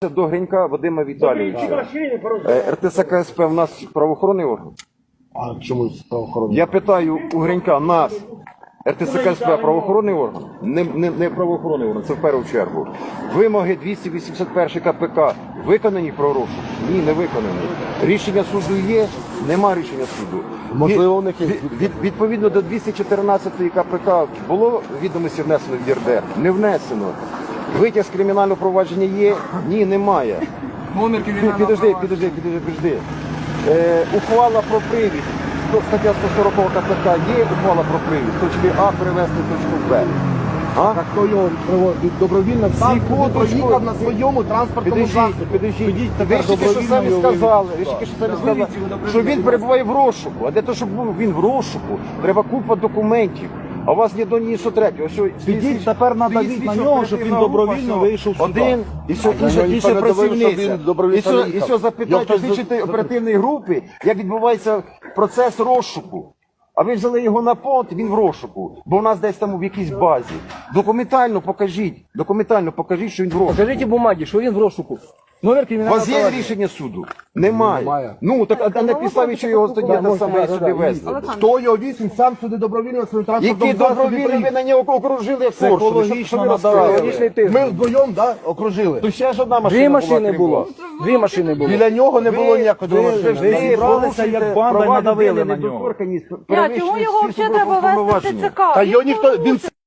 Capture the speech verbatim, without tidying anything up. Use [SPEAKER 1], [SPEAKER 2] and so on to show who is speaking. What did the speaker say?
[SPEAKER 1] До Гринька Вадима Віталійовича. Р Т С К С П в нас правоохоронний орган?
[SPEAKER 2] А чому правоохоронний?
[SPEAKER 1] Я питаю у Гринька, нас Р Т С К С П правоохоронний орган? Не, не, не правоохоронний орган, це в першу чергу. Вимоги двісті вісімдесят перший К П К виконані про розшук? Ні, не виконані. Рішення суду є? Нема рішення суду.
[SPEAKER 2] Можливо, у них є.
[SPEAKER 1] Від, від, відповідно до двісті чотирнадцятої К П К було відомості внесено в Є Р Д Р? Не внесено. Витяг з кримінального провадження є? Ні, немає. Підожди, підожди, підожди, підожди. Е, ухвала про привід. Стаття сто сорок К П К є ухвала про привід. З точки А перевести в точку Б. А?
[SPEAKER 2] Так хто його приводить добровільно сам
[SPEAKER 1] Секундочку.
[SPEAKER 2] проїхав на своєму транспортному
[SPEAKER 1] Підождіть,
[SPEAKER 2] засобі.
[SPEAKER 1] підождіть.
[SPEAKER 2] тепер
[SPEAKER 1] Ви ж тільки що
[SPEAKER 2] добровільно
[SPEAKER 1] самі
[SPEAKER 2] його
[SPEAKER 1] сказали,
[SPEAKER 2] вивезти.
[SPEAKER 1] ви ж тільки що самі сказали, що він перебуває в розшуку. А для того, щоб був він в розшуку, треба купа документів. А у вас ні до ні що третього. Що
[SPEAKER 2] Підіть, тепер надавіть на нього, щоб він добровільно вийшов сюди.
[SPEAKER 1] Один, і все,
[SPEAKER 2] А
[SPEAKER 1] інша,
[SPEAKER 2] його
[SPEAKER 1] інша
[SPEAKER 2] ніхто не довів, що
[SPEAKER 1] працівниця.
[SPEAKER 2] він добровільно
[SPEAKER 1] І все, і
[SPEAKER 2] їхав.
[SPEAKER 1] все
[SPEAKER 2] Його
[SPEAKER 1] запитайте
[SPEAKER 2] хтось
[SPEAKER 1] слідчої
[SPEAKER 2] за-
[SPEAKER 1] оперативної групи, як відбувається процес розшуку. А ви взяли його на понт, він в розшуку, бо у нас десь там в якійсь базі. Документально покажіть, документально покажіть, що він в розшуку.
[SPEAKER 3] Покажіть бумаги, що він в розшуку. Номер
[SPEAKER 1] У
[SPEAKER 3] кримінального
[SPEAKER 1] вас є
[SPEAKER 3] провадження.
[SPEAKER 1] рішення суду? Немає.
[SPEAKER 2] Немає.
[SPEAKER 1] Ну, так а на підставі, що його тоді те саме сюди везли.
[SPEAKER 2] Хто його віз, він сам сюди добровільно на своєму транспортному
[SPEAKER 1] Які
[SPEAKER 2] засобі
[SPEAKER 1] добровільно ви
[SPEAKER 2] приїхав.
[SPEAKER 1] на нього окружили форшу?
[SPEAKER 2] Психологічно надавили. Ми вдвоєм, да, окружили.
[SPEAKER 1] То ще ж одна машина
[SPEAKER 3] Дві
[SPEAKER 1] була,
[SPEAKER 3] машини
[SPEAKER 1] крім
[SPEAKER 3] було.
[SPEAKER 1] вас.
[SPEAKER 3] Дві машини було.
[SPEAKER 2] Біля нього не було
[SPEAKER 1] Ви-
[SPEAKER 2] ніякої
[SPEAKER 1] ви-
[SPEAKER 2] машини.
[SPEAKER 1] ви
[SPEAKER 4] зібралися як банда і надавили на нього.
[SPEAKER 1] недоторканність,
[SPEAKER 5] Я, чому
[SPEAKER 1] перевищили
[SPEAKER 5] його
[SPEAKER 1] всі
[SPEAKER 5] взагалі треба вести в
[SPEAKER 1] повноваження.
[SPEAKER 5] Т Ц К?
[SPEAKER 2] Та його ніхто, він